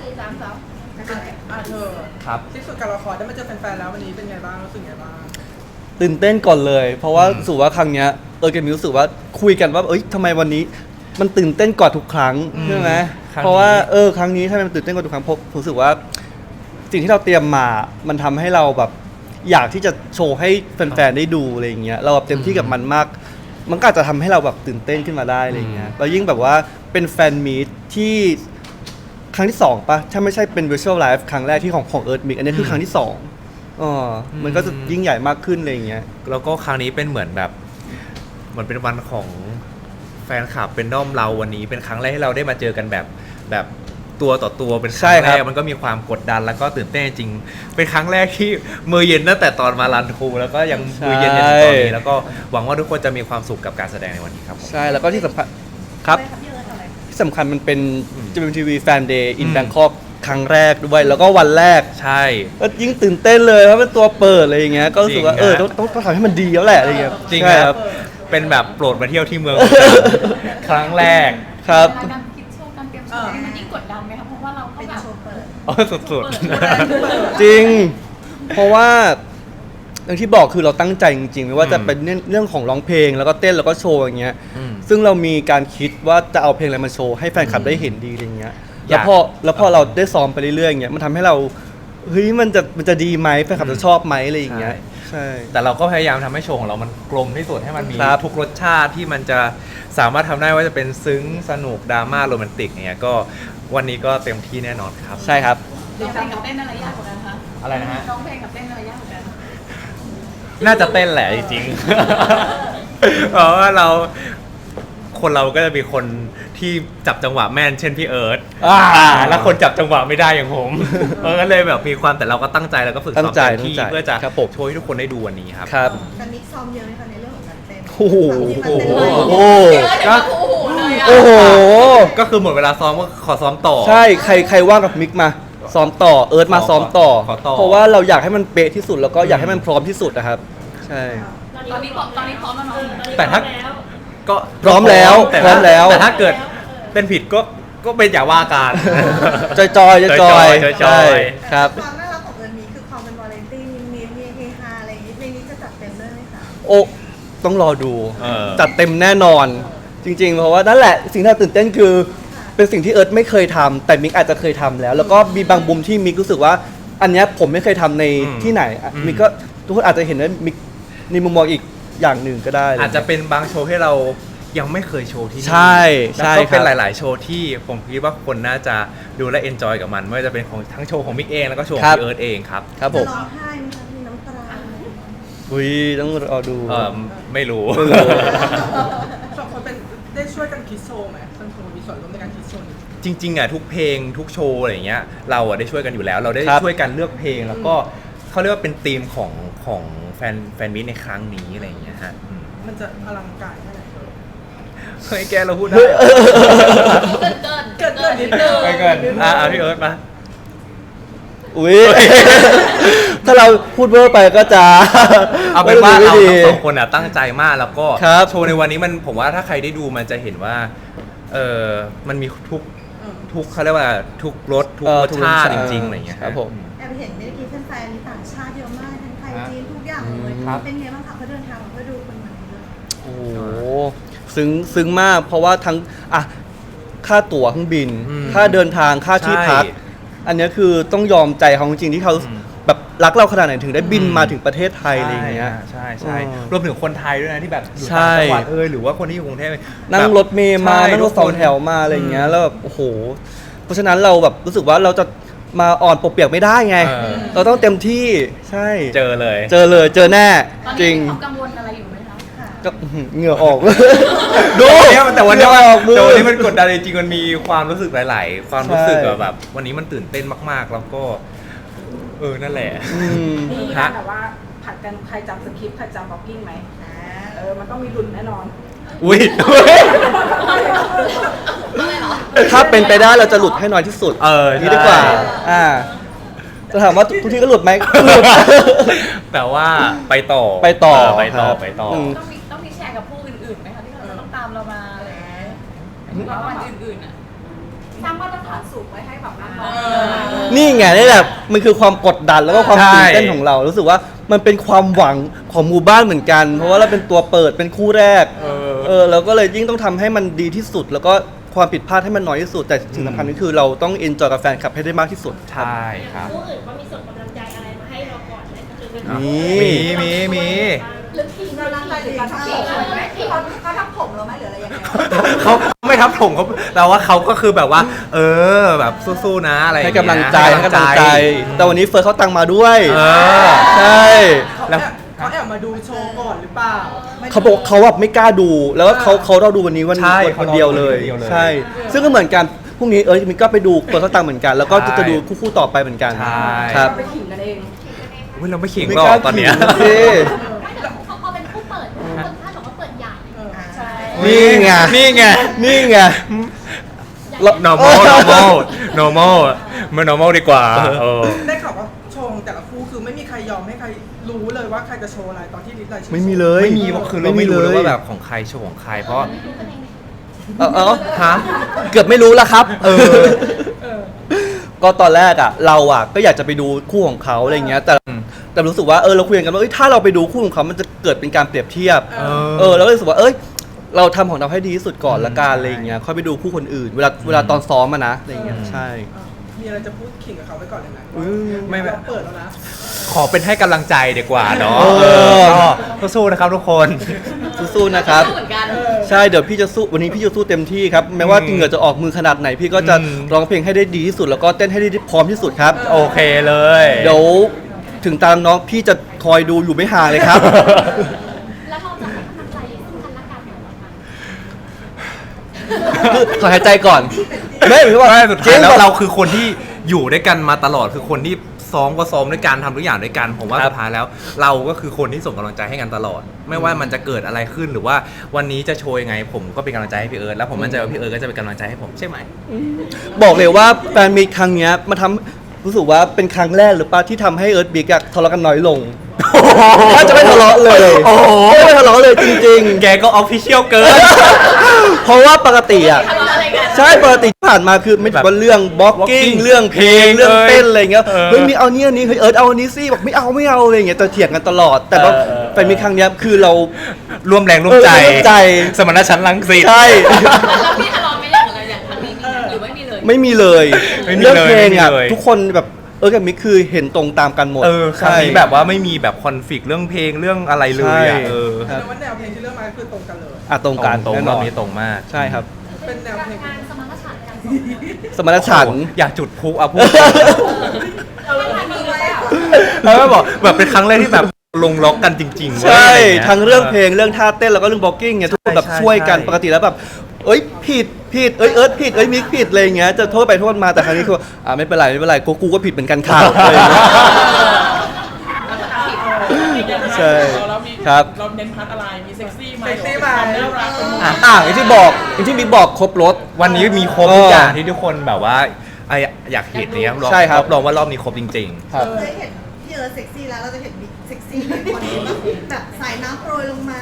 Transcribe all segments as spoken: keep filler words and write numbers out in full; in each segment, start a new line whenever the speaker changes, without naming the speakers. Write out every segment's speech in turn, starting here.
สี่สามสอง
อ่ะเธอ
ครับ
ที่สุดการรอคอยได้มาเจอแฟนๆแล้ววันนี้เป็นไงบ้างรู้สึกไงบ้าง
ตื่นเต้นก่อนเลย เพราะว่า
อืม
รู้สึกว่าครั้งเนี้ยเออเกมรู้สึกว่าคุยกันว่าเอ้ยทำไมวันนี้มันตื่นเต้นกว่าทุกครั้งใช่ไหมเพราะว่าเออครั้งนี้ทำไมมันตื่นเต้นกว่าทุกครั้งเพราะรู้สึกว่าสิ่งที่เราเตรียมมามันทำให้เราแบบอยากที่จะโชว์ให้แฟนๆได้ดูอะไรอย่างเงี้ยเราแบบเต็มที่กับมันมาก มันก็อาจจะทำให้เราแบบตื่นเต้นขึ้นมาได้อะไรอย่างเงี้ยแล้วยิ่งแบบว่าเป็นแฟนมีตที่ครั้งที่สองปะถ้าไม่ใช่เป็น virtual live ครั้งแรกที่ของของ Earth Mix อันนี้คือครั้งที่สองอ๋อมันก็จะยิ่งใหญ่มากขึ้นอะไรอย่างเงี้ย
แล้วก็ครั้งนี้เป็นเหมือนแบบเหมือนเป็นวันของแฟนคลับเป็นด้อมเราวันนี้เป็นครั้งแรกที่เราได้มาเจอกันแบบแบบตัวต่อตัวเป็นครั้ง
ใช่ค
แร
รับ
กมันก็มีความกดดันแล้วก็ตื่นเต้นจริงเป็นครั้งแรกที่มือเย็นตั้งแต่ตอนมารันทรูแล้วก็ยังมือเย็นจนถึงตอนนี้แล้วก็หวังว่าทุกคนจะมีความสุขกับการแสดงในวันนี้ครับผม
ใช่แล้วก็ที่สำคัญครับที่สำคัญมันเป็น
อืม
จี เอ็ม ที วี Fan Day in
อืม
Bangkok ครั้งแรกด้วยแล้วก็วันแรก
ใช่
ก็ยิ่งตื่นเต้นเลยเพราะเป็นตัวเปิดอะไรอย่างเงี้ยก็รู้สึกว่า
จริง
เออ
ฮะ
ต้องต้องต้องทำให้มันดีแล้วแหละอะไรอย่างเงี้ย
จริง
ใช่
ค
ค
รั
รั
บบ เป็นแบบโปรดมาเที่ยวที่เมือง ครั้งแรก
ครับ
การคิดโชว์การเตรียมโชว์มันยิ่งกดดันไหมคะเพราะว่าเราก็แบบ
อ๋อสุด
จริง เพราะว่าอย่างที่บอกคือเราตั้งใจจริงๆไม่ว่าจะเป็นเรื่องของร้องเพลงแล้วก็เต้นแล้วก็โชว์อย่างเงี้ย
อืม
ซึ่งเรามีการคิดว่าจะเอาเพลงอะไรมาโชว์ให้แฟนคลับได้เห็นดีอะไรเงี้ย
อยาก
แล้วพอแล้วพอเราได้ซ้อมไปเรื่อยๆอย่างเงี้ยมันทำให้เราเฮ้ยมันจะมันจะดีไหมแฟนคลับจะชอบไหมอะไรอย่างเงี้ยใช่
แต่เราก็พยายามทำให้โชว์ของเรามันกลมที่สุดให้มันมี
ครับ
ทุกรสชาติที่มันจะสามารถทำได้ว่าจะเป็นซึ้งสนุกดราม่าโรแมนติกอย่างเงี้ยก็วันนี้ก็เต็มที่แน่นอนครับ
ใช่ครับ
ร้องเพลงกับเต้นอะไรยากกว่ากันคะ
อะไรนะฮะ
ร้องเพลงกับเต้นอะไรยากกว่ากัน
น่าจะเต้นแหละจริงๆ เพราะว่าเราคนเราก็จะมีคนที่จับจังหวะแม่นเช่นพี่เอิร์ธ
อ่า
อ่าแล้วคนจับจังหวะไม่ได้อย่างผม เออก็เลยแบบมีความแต่เราก็ตั้งใจแล้วก็ฝึก
ตั้
ซ้อง ม
ใจ
เต็มที่
ตั้งใจ
เพื่อจะ
ครับผม
โชว์ให้ทุกคนได้ดูวันนี้ครับ
ครับ
การมิกซ้อมเยอะไหมคะในเรื่องของการเต้น
โอ้โห
ที่มันเป็น
โอ้โห
ก็โอ้โหเลยอะ
โอ้โห
ก็คือหมดเวลาซ้อมก็ขอซ้อมต่อ
ใช่ใครใครว่างกับมิกมาซ้อมต่อเอิร์ธมาซ้อมต่อ
ขอต่อ
เพราะว่าเราอยากให้มันเป๊ะที่สุดแล้วก็อยากให้มันพร้อมที่สุดนะครับ ใช่
ตอนนี้พร้อมตอนนี้พร้อมแล้วเนาะ
แต่ถ้าก็
พร้อมแล้ว
ต่
พร้อมแล้ว
แต่ถ้าเกิดเป็นผิดก็ก็เป็นอย่าว่ากัน
จอยจอยจอยจอย
จอยๆ
ใช่ครับ
ความน่ารักของเอิร์นมีคือความเป็นวาเลนตี้มีมีเฮฮาอะไรอย่างนี้ในนี้จะจัดเต็มด้วยไหมคะ
โอ้ต้องรอดู
เออ
จัดเต็มแน่นอน จริง ๆ เพราะว่านั่นแหละสิ่งที่เราตื่นเต้นคือ เป็นสิ่งที่เอิร์ธไม่เคยทำแต่มิกอาจจะเคยทำแล้ว แล้วก็มีบางมุมที่มิกรู้สึกว่า อันเนี้ยผมไม่เคยทำใน
อืม
ที่ไหนอ่ะ
อืม
มิกก็ทุกคนอาจจะเห็นว่ามิกในมุมมองอีกอย่างหนึ่งก็ได้
อาจจะเป็นบางโชว์ที่เรายังไม่เคยโชว์ที่นี่
ใช่ใช่
แล้วก็เป็น
ครับ
หลาย ๆ โชว์ที่ผมคิดว่าคนน่าจะดูและเอนจอยกับมันไม่ว่าจะเป็นของทั้งโชว์ของมิกเองแล้วก็โชว์ของพี่เอิร์ธเองครับ
ครับผ
จะ
ม
ร้องไห้ไหมคะมีน้ำตาไหม
อุ้ยต้องรอดู
เออไม่รู้
ไม่รู้
สองคนเป็นได้ช่วยกันคิดโชว์ไหมทั้งคนมีส่วนร่วมในการคิดโชว์นี้
จริง ๆ อ่ะทุกเพลงทุกโชว์อะไรอย่างเงี้ยเราอ่ะได้ช่วยกันอยู่แล้ว เราได้
ครับ
ช่วยกันเลือกเพลงแล้วก็เขาเรียกว่าเป็นธีมของของแฟนแฟนมิตในครั้งนี้อะไรอย่างเงี้ยฮะอืม
มันจะอลังการแค่ไหน
เฮ้ยแกเราพูดได้
เกินเกินเกินนิดนึง
ไปก่อนอ่ะอ่ะพี่เอิร์ธมา
อุ้ย ถ้าเราพูดเวอร์ไปก็จะ
เอาเป็นว่าเรา
ไม่ดี
ทั้งสองคนอ่ะตั้งใจมากแล้วก็
ครับ
โชว์ในวันนี้มันผมว่าถ้าใครได้ดูมันจะเห็นว่าเออมันมีทุกทุกเขาเรียกว่าทุกรสทุก
เออ
รส
ทุก
ชาติ
รส
จ
ชาติ
ริงๆอะไรอย่างเงี้ย
ครับผม
แอบเห็นเมื่อกี้แฟนๆมีต่างชาติเยอะมากทั้งไทยจีนทุกอย่างเลย
ครับ
เป็นไงบ้างคะเขาเดินทางมาเพื่อดูคนมันเลย
โอ้โหซึ้งซึ้งมาก เพราะว่าทั้งอ่ะค่าตั๋วเครื่องบิน
อืม
ค่าเดินทางค่าที่พัก
ใช่
อันเนี้ยคือต้องยอมใจเขาจริงๆที่เขา
อืม
แบบรักเราขนาดไหนถึงได้บิน
อืม
มาถึงประเทศไทยอะไรอย่างเงี้ย
ใช่ใช่
อ๋อ
รวมถึงคนไทยด้วยนะที่แบบอยู่
ใช่
ต่างจังหวัดเอยหรือว่าคนที่อยู่กรุงเทพ
นั่ง
แบบ
รถเมล์มา
ใช่
นั่งรถสองแถวมาอะไรอย่างเงี้ยแล้วแบบโอ้โห เพราะฉะนั้นเราแบบรู้สึกว่าเราจะมาอ่อนปกเปียกไม่ได้ไง
เออ
เราต้องเต็มที่ใช่
เจอเลย
เจอเลยเจอแน่
ตอน
จริ
นี้
ง
มีความกังวลอะไรอยู่ไหมคะ
ค่ะ
ก็อื้อหือเหงื่อออก
ดูแต่วันนี้
เหงื่อออกมือ
แต่วันนี้มันกดดันจริงๆมันมีความรู้สึกหลาย ๆ ความรู้สึก
ใช่
แบบวันนี้มันตื่นเต้นมากๆ แล้วก็เออนั่นแหละ
อืม
มี
ฮะ
การแบบว่าผัดกันใครจำสคริปต์ใครจำบล็อกกิ้งไหมอ่าเออ มันต้องมีลุ้นแน่นอน
อุ้ย
ถ้าเป็นไปได้เราจะหลุดให้น้อยที่สุด
เออ
นี่ดีกว่า
ใช่
อ่า จะถามว่าทุกทีก็หลุดไหมก็หลุด
แต่ว่าไปต่อ
ไปต่อ
เไปต่อ
ครับ
ไปต่ออ
ม
ต้องมีต้องมีแชร์กับผู้อื่นๆไหมคะที่เขาจะต้องตามเรามาอะไรอย่างเงี้ยหรือว่าวันอื่นๆอ่ะสร้างมาตรฐานสูงไว้ให้แบบน้องๆ
นี่ไงนี่แหละมันคือความกดดันแล้วก็ความ
ใช่
ตื่นเต้นของเรา รู้สึกว่ามันเป็นความหวังของหมู่บ้านเหมือนกัน เพราะว่าเราเป็นตัวเปิดเป็นคู่แรก
เออ
เออเราก็เลยยิ่งต้องทำให้มันดีที่สุด แล้วก็ความผิดพลาดให้มันน้อยที่สุด แต่สิ่งสำคัญก็คือเราต้องเอนจอยกับแฟนคลับให้ได้มากที่สุด
ใช่ครับ
ผู้อื่นก็มีส่งกำลังใจอะไรมาให้เราก่อนไหมหรือเป็น
มี
มีมีมี
หรือทีม
กำลังใจหรือการทำผมเขาเขาทำผมเราไหมหรืออะไรยังไง
เขาไม่ทับถมเขาแต่ว่าเขาก็คือแบบว่า เออแบบสู้ๆนะอะไรอย่า
ให้
เย
กำลังใจให้กำลังใจ แต่วันนี้เฟิร์สเขาตังมาด้วย
เออ
ใช่
เขา
แล้ว
แอบเขาแอบมาดูโชว์ก่อนหรือเปล่า
เขาบอกเขาแบบไม่กล้าดู แล้วก็เขาเขาเราดูวันนี้วัน
ใช่
วันคนเดียวเลย
เขารอดูคนเดียวเลย
ใช่ ซึ่งก็เหมือนกันพรุ่งนี้เออมินก็ไปดูเฟิร์สเขาตังเหมือนกัน แล้วก็จะ
ใช่
จะดูคู่ๆต่อไปเหมือนกัน
ใช่
ครับ
ไปขิงกันเอง
อุ๊ยเราไม่ขิง
ไม่
หรอก
ล้า
ตอนเนี้ย
ขิงสิ
ไม่แต่พอพอเป็นผู้เปิดคนคาดบอกว่าเปิดใหญ่
ใช่
นี่ไง
นี่ไง
นี่ไง
normal normal normal มัน normal ดีกว่าเออ
ได้ข่าวว่าโชว์ของแต่ละคู่คือไม่มีใครยอมให้ใครรู้เลยว่าใครจะโชว์อะไรตอนที่ลิสต์รายชื่อ
ไม่มีเลย
ไม่มีคือเราไม่รู้เลยว่าแบบของใครโชว์ของใครเพราะ
เออเออ
ฮะ
เกือบไม่รู้แล้วครับ เออ
เออ
ก็ตอนแรกอ่ะ เราอ่ะก็อยากจะไปดูคู่ของเขาอะไรเงี้ย แต่
อืม
แต่รู้สึกว่าเออเราคุยกันว่าเอ้ยถ้าเราไปดูคู่ของเขามันจะเกิดเป็นการเปรียบเทียบ
เออ
เออเราก็รู้สึกว่าเอ้ยเราทำของเราให้ดีที่สุดก่อนละกันอะไรอย่างเงี้ยค่อยไปดูคู่คนอื่น เวลาเวลาตอนซ้อมอะนะอะไรอย่างเงี้ย
อืม
ใช่
มีอะไรจะพูดขิงกับเขาไว้ก่อนเลยไหม
อืม
ไม่แบบ
เราเปิดแล้วนะ
ขอเป็นให้กำลังใจดีกว่าเนาะ
เออ
เออก็สู้ๆนะครับทุกคน
สู้ๆนะครับ
เหมือนกัน
ใช่เดี๋ยวพี่จะสู้วันนี้พี่จะสู้เต็มที่ครับแม้ว่า
อืม
เหงื่อจะออกมือขนาดไหน พี่ก็จะ
อืม
ร้องเพลงให้ได้ดีที่สุด แล้วก็เต้นให้ได้พร้อมที่สุดครับ
โอเคเลย
เดี๋ยวถึงตามน้องพี่จะคอยดูอยู่ไม่ห่างเลยครับ
แล้วเราจะให้กำลังใจซึ่งกันและกันเหรอคะ
คือขอหายใจก่อนไม่หมายถึงว่า
ไม่สุดท้ายแล้ว
จง
เราคือคนที่อยู่ด้วยกันมาตลอดคือคนที่ซ้อมก็ซ้อมด้วยกันทำทุกอย่างด้วยกันผมว่า
ครับ
สุดท้ายแล้ว เราก็คือคนที่ส่งกำลังใจให้กันตลอด ไม่ว่ามันจะเกิดอะไรขึ้นหรือว่าวันนี้จะโชว์ยังไง ผมก็เป็นกำลังใจให้พี่เอิร์ธแล้วผมมั่นใจว่าพี่เอิร์ธก็จะเป็นกำลังใจให้ผมใช่ไหม
บอกเลยว่าแฟนมีตครั้งเนี้ยมาทำรู้สึกว่าเป็นครั้งแรกหรือเปล่าที่ทำให้เอิร์ธบิ๊กอะทะเลาะกันน้อยลงถ้าจะไม่ทะเลาะเลย
โอ้โห
ไม่ทะเลาะเลยจริง
แกก็ออฟฟิเชียลเกิน
ๆ เพราะว่าปกติอะ
ทะเลาะอะไรกัน
ใช่ปกติที่ผ่านมาคือไม่
แบบ
ว่าเรื่องบล็อกกิ้ง
walking
เรื่องเพลง
เพลง
เรื่องเต้นอะไรเงี้ย
เออ
เฮ้ยมีเอานี่อันนี้เฮ้ยเอิร์ธเอาอันนี้สิบอกไม่เอาไม่เอาอะไรเงี้ยแต่เถียงกันตลอด แต่ว่า
เออเออ
แฟนมีตครั้งเนี้ยคือเรา
ร่วมแรงร่วมใจ
เออร่วมใจ
สมรรถฉันท์รังสิต
ใช่
แล้วพี่ทะเลาะไหม่ได้เหมือนกันอย่างครั้งนี้มีไหมหรือไม่มีเลย
ไม่มีเลย
ไม่มีเลย
เรื่องเพลงอ่ะ
ไม่มีเลย
ทุกคนแบบเออกับมิกคือเห็นตรงตามกันหมด
เออครั้ง
ใช่
นี้แบบว่าไม่มีแบบคอนฟ lict เรื่องเพลงเรื่องอะไรเลยอ่ะ
ใช่
เออ
ครับ
แต่ว่าแนวเพลงที่เลือกมาคือตรงกันเลย
อ่ะตรงกัน
ตรง
แน่
ๆ
น
ร
อ
อบ
น
นี้ตรงมาก
ใช่ครับ
เป็นแนวเพลง
การสมรรถฉันท์กัน
สมรรถฉันท์
โอ้โหอยากจุดพลุอ่ะพูด
เออมีไว้อะ
แล้วก็บอกแบบเป็นครั้งแรกที่แบบลงล็อกกันจริงๆเว้ย
ใช่
อะไรงี้ย
ทั้งเรื่องเพลงเรื่องท่าเต้นแล้วก็เรื่องบล็อกกิ้งเนี่ยทุกคนแบบ
ใช่
ช่วยกัน
ใช่
ปกติแล้วแบบเอ้ยผิดผิดเอ้ยเอิร์ธผิดเอ้ยมิกผิดอะไรอย่างเงี้ยจะโทษไปโทษมาแต่ครั้งนี้คืออ่าไม่เป็นไรไม่เป็นไรกูกูก็ผิดเหมือนกันค่ะอะไรอย่างเงี้ย ใช่ครับ
เราเน้นพัดอะไร มีเซ็กซี่ไหม
เซ็กซี่ไหม
ความน่ารัก
อ่ะ
อ่ะอย่างที่บอกอย่างที่มิกบอกครบรถ
วันนี้มีครบทุกอย่างที่ทุกคนแบบว่าไออยากเห็นเนี่ย
ใช่ครับ
รองว่ารอบนี้ครบจริง
ครับ
เคยเห็นพี่เอิร์ธเซ็กซี่แล้วเราจะเห็นบิ๊กเซ็กซี่ในคนนี้แบบสายน้ำโปรยลงมา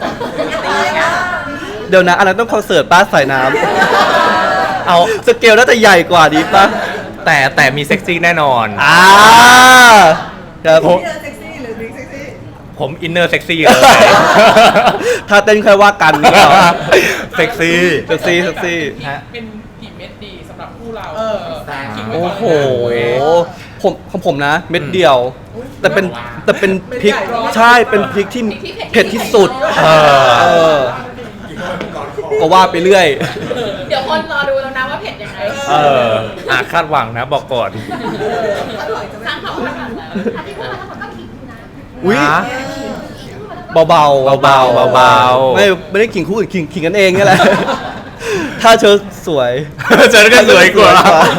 เดี๋ยวนะอันนั้นต้องคอนเสิร์ตป้าสายน้ำเอาสเกลน่าจะใหญ่กว่าดีป่ะ
ๆ แต่แต่มีเซ็กซี่แน่นอน
อ่าครับ
พี่เอิร์ธเซ็กซี่หรือบิ๊กเซ็กซี่
ผมอินเนอร์เซ็กซี่เลย
ถ้าเต้นค่อยว่ากันนี่เหรอ
เซ็กซี่
เซ็กซี่เซ็กซี่
ฮะเป็นกี่เม็ดดีสำหรับคู่เรา
เออ
คิดไว้
โอ้
ก่อน
โห
เลยนะ
ผมของผมนะ เม็ดเดียว แต่เป็นแต่เป็นพริก
เม็ดใหญ่
ใช่เป็นพริกที่เผ็ดที่สุด
เออ
เออก็ว่าไปเรื่อย
เดี๋ยวคนรอดูแล้วนะว่าเผ็ดยังไง
เอออ่ะคาดหวังนะบอกก่อน
สร้างเขาขนาดนั้น
อันที่พูดมาทั้งหมดก็ขิงอยู่นะ
อุ้ย
นะ
เบาๆเบาๆ
เบาๆเบาๆ
ไม่ไม่ได้ขิงคู่อื่นขิงขิงกันเองนี่แหละ ถ้าเธอสวย
เจอกันสวยกว่า
ล่าสุด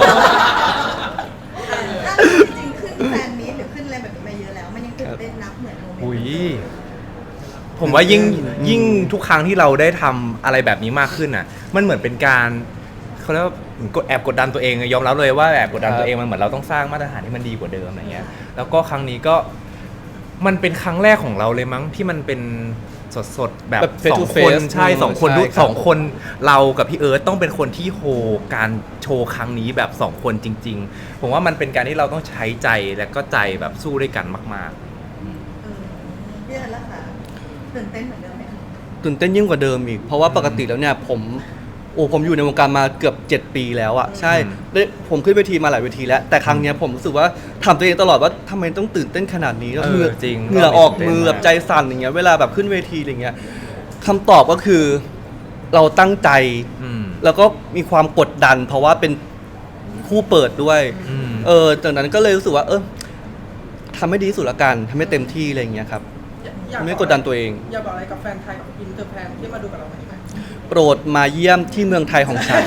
จริงๆขึ้นแฟนมีตหรือขึ้นอะไรแบบนี้มาเยอะแล้ว มันยังตื่นเต้นนับเหมือนโมเมนต์
อุ้ยผมว่ายิ่งยิ่งทุกครั้งที่เราได้ทำอะไรแบบนี้มากขึ้นอ่ะ มันเหมือนเป็นการเขาเรียกว่าเหมือนกดแอบกดดันตัวเองยอมรับเลยว่าแอบกดดันตัวเองมันเหมือนเราต้องสร้างมาตรฐานที่มันดีกว่าเดิมอะไรเงี้ย แล้วก็ครั้งนี้ก็มันเป็นครั้งแรกของเราเลยมั้งที่มันเป็นสดๆแบบ
แบบ face
สอง
to
คน
face
ใช่สองคน
ใช่
ด้วย
ครับ
สองคนเรากับพี่เอิร์ธต้องเป็นคนที่โฮการโชว์ครั้งนี้แบบสองคนจริง ๆ ผมว่ามันเป็นการที่เราต้องใช้ใจและก็ใจแบบสู้ด้วยกันมาก
เออพี่เอิร์ธล่ะคะตื่นเต้นเหมือนเดิมไหมคะ
ตื่นเต้นยิ่งกว่าเดิมอีก เพราะว่าปกติแล้วเนี่ยผมโอ้ผมอยู่ในวงการมาเกือบเจ็ดปีแล้วอะใช่ได้ผมขึ้นเวทีมาหลายเวทีแล้ว แต่ครั้งเนี้ยผมรู้สึกว่าถามตัวเองตลอดว่าทำไมต้องตื่นเต้นขนาดนี้แล้ว
เออ
เหงื่อ
จริง
เหงื่อออก
ตื่นเต้น
มือแบบ
มาก
ใจสั่นอย่างเงี้ยเวลาแบบขึ้นเวทีอะไรเงี้ยคำตอบก็คือเราตั้งใจ
ๆอืม
แล้วก็มีความกดดัน เพราะว่าเป็นคู่เปิดด้วย
อืม
เออจากนั้นก็เลยรู้สึกว่า เออทำให้ดีที่สุดละกันทำให้เต็มที่อะไรอย่างเงี้ยครับ
อยาก
ไม่กดดันตัวเอง
อยากบอกอะไรกับแฟนไทยกับอินเตอร์แฟนที่มาดูกับเราวันนี้ไหม
โปรดมาเยี่ยมที่เมืองไทยของฉัน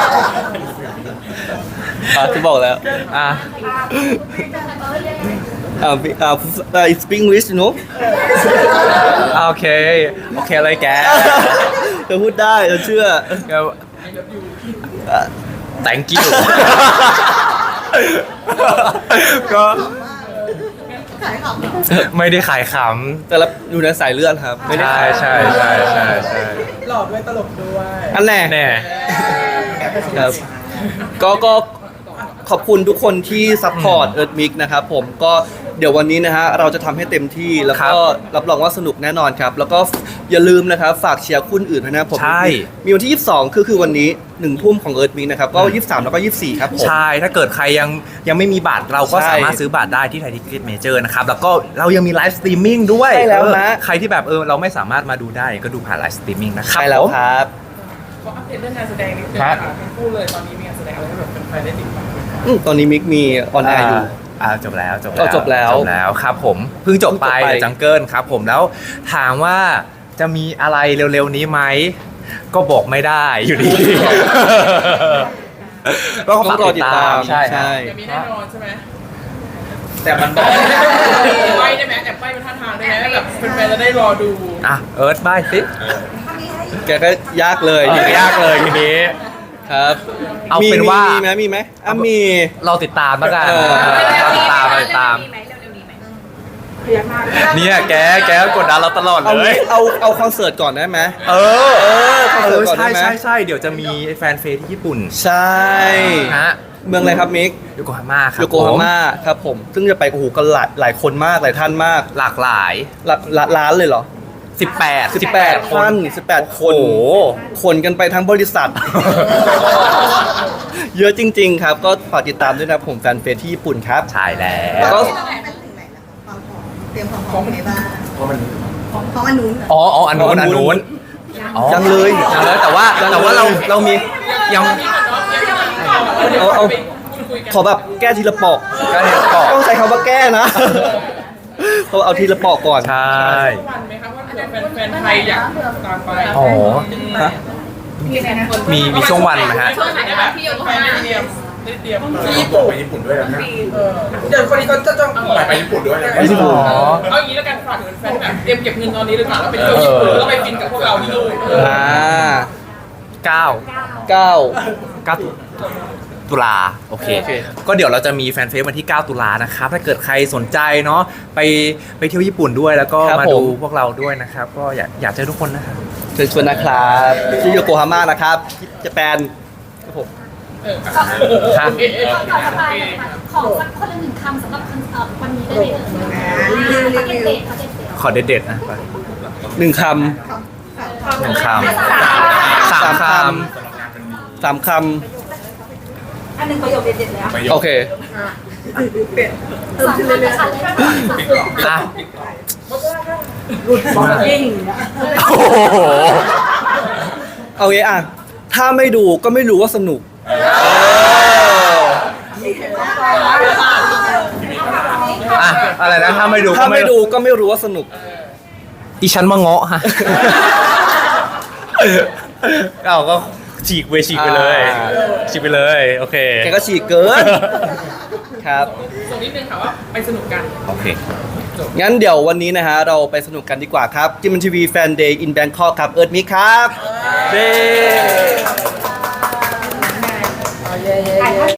อ่ะที่บอกแล้ว
อ่ะ
อ่าอ่า I speak English you know
โอเค โอเคเลยแก
เธอพูดได้เธอเชื่อ
ก็ thank you ก็
ขายของเหรอ
ไม่ได้ขายข
แต่ละอยู่ในสายเลือดครับ
ำ
ไม่ได้
ใช่
ขาย
ใช่ใช่ใช่ใช่
หล่อด้วยตลกด้วย
อันแน่
แน่
ครับก็ก็ขอบคุณทุกคนที่ซัพพอร์ตเอิร์ธมิกนะครับผมก็เดี๋ยววันนี้นะฮะเราจะทำให้เต็มที่แล้วก็รับรองว่าสนุกแน่นอนครับ แล้วก็อย่าลืมนะครับฝากเชียร์คู่อื่นด้วยนะผม
ใช่
มีวันที่ยี่สิบสองคือคือวันนี้หนึ่งทุ่มของเอิร์ธมิกนะครับก็ยี่สิบสามแล้วก็ยี่สิบสี่ครับผม
ใช่ ถ้าเกิดใครยังยังไม่มีบัตรเราก็
ใช่
สามารถซื้อบัตรได้ที่ไทยทิเก็ตเมเจอร์นะครับ แล้วก็เรายังมีไลฟ์สตรีมมิ่งด้วย
ใช่แล้วนะ
เออใครที่แบบเออเราไม่สามารถมาดูได้ก็ดูผ่านไลฟ์สตรีมมิ่งนะครับ
ใช่แล้ว
ผม
ครับ
ขออัปเดตเรื่องงานแสดงนิดนึง
ครั
ค่ะ
บ
ทั้งคู่เลยตอนนี้มีงานแสดงอะไรให้แบบแฟนๆได้ติดตามไหมคะ
อืมตอนนี้มิกมีออนแอร์อยู่
อ่าจบแล้วจบ
อ๋อจบแล้ว
จบแล้วครับผมเพิ่งจบไป
เพิ่งจบไป
จังเกิลครับผมแล้วถามว่าจะมีอะไรเร็วๆนี้ไหมก็บอกไม่ได้อยู่ดี ก็ฝากติดตามใช่ครับ
จะมีแน่นอนใช่ไหม
แต่มัน
แอบใบ้ได้ไหมแอบใบ้เป็นท่าทางได้ไหมแบบแฟนๆจะได้รอดู
อ่ะเอิร์ธบายสิ
แกก็ยากเลย
ยากเลยทีนี้
ครับ
เอาเป็นว่ามี
มีไหมมีไหมอ่ะมี
เราติดตามแล้วกัน
เออ
เราติดตามเราติดตาม
เรียกมาก
เนี่ยแกแกกดดันเราตลอด
เอา
เลย
เอาเอาคอนเสิร์ตก่อนได้ไหม
เออ
เออคอน
เอ
เสิร์
อ
ตก่อน
ใช่
ได้ไหม
ใช่ใช่เดี๋ยวจะมีแฟนเฟสที่ญี่ปุ่น
ใช่
ฮะ
เมืองอะไรครับมิก
โยโกฮาม่าครับ
โยโกฮาม่าครับผม ซึ่งจะไปโอ้โหกันหลายหลายคนมากหลายท่านมาก
หลากหลาย
หลักหลักล้านเลยเหรอ
สิบแปด
สิบแปดท่านสิบแปดคน
โอ้โห
คนกันไปทั้งบริษัท เยอะจริง ๆ ครับ ก็ฝากติดตามด้วยนะครับผมแฟนเฟซที่ญี่ปุ่นครับ
ใช่แล้
แล้ว
ว
ก็
เป็นถึงไหนแล้วความพร้อมเตรียมความพร้อมยังไงบ้างเพราะมันเพราะมันนู้น
อ๋ออ๋ออันนู้นอันนู้นอ๋อ
ยังเลย
ยังเลยแต่ว่าแต่ว่าเราเรามียัง
เอาเอาขอแบบแก้ทีละปอก
ก็เห็นก่อน
ต้องใช้คำว่าแก้นะเพราะเอาทีละปอกก่อน
ใช่
วันไหมครับว่าเผื่อแฟนๆไทยอยากตามไป
อ๋อ
ฮะ
มีมีช่วงวันนะฮะ
ช่วงไหนนะคะพี่โยโก
แฟ
ฮาน ม่า
ได้เตรียมได้เตรียม
ที่ญี่ปุ่น
ไปญี่ปุ่นด้วยนะ
เออเดี๋ยวคนนี้เขาจะจอง
ไปไปญี่ปุ่นด้วยนะ
ไปญี่ปุ่น
เอาอย่างนี้แล้วกันฝากถึงแฟนแบบเตรียมเก็บเงินตอนนี้เลยค่ะแล้วไปเที่ยวญี่ปุ่นแล้วก็ไปฟินกับพวกเราที่นู่น
อ่า
เก้า
เก้า
เก้าตุลาโอเค
โอเค
ก็เดี๋ยวเราจะมีแฟนเฟซวันที่ เก้า ตุลานะครับ ถ้าเกิดใครสนใจเนาะไปไปเที่ยวญี่ปุ่นด้วยแล้วก็มาดูพวกเราด้วยนะครับ ก็อยากอยากเจอทุกคนนะครับ
เชิญชวนนะครับที่โยโกฮาม่านะครับที่ญี่ปุ่นครับผม
เออ
ครับ
โอเค
ก่อนก่อนจะไปนะคะขอสักคนละหนึ่งคำสำหรับคอนเสิร์ตวันนี้ได้เลยเอ่ยพักเด็ดๆพักเด็ด
ขอเด็ดๆนะ
หนึ่งค
หนึ่งค
ำ
ำสามค
สามค
อันหนึ่งประโยคเด็ดๆเลยอะ
ำโอเค
สามคำนะคะเลย
ำอ่ะ
ยิ่ง
โอ้โห
เอางี้อ่ะ ถ้าไม่ดูก็ไม่รู้ว่าสนุก
อ่ะอะไรนะถ้าไม่ดูก็
ถ้าไม่ดูก็ไม่รู้ว่าสนุก
ดิฉันมาเงาะฮะเอาก็ฉีกไปฉีกไปเลย
อ่า
ฉีกไปเลยโอเค
แกก็ฉีกเกิน ครับ
ส่งนิดนึงค่ะว่าไปสนุกกัน
โอเค
งั้นเดี๋ยววันนี้นะฮะ เราไปสนุกกันดีกว่าครับจิมมันทีวีแฟนเดย์อินแบงคอกครับ เอิร์ธมิกครับเย้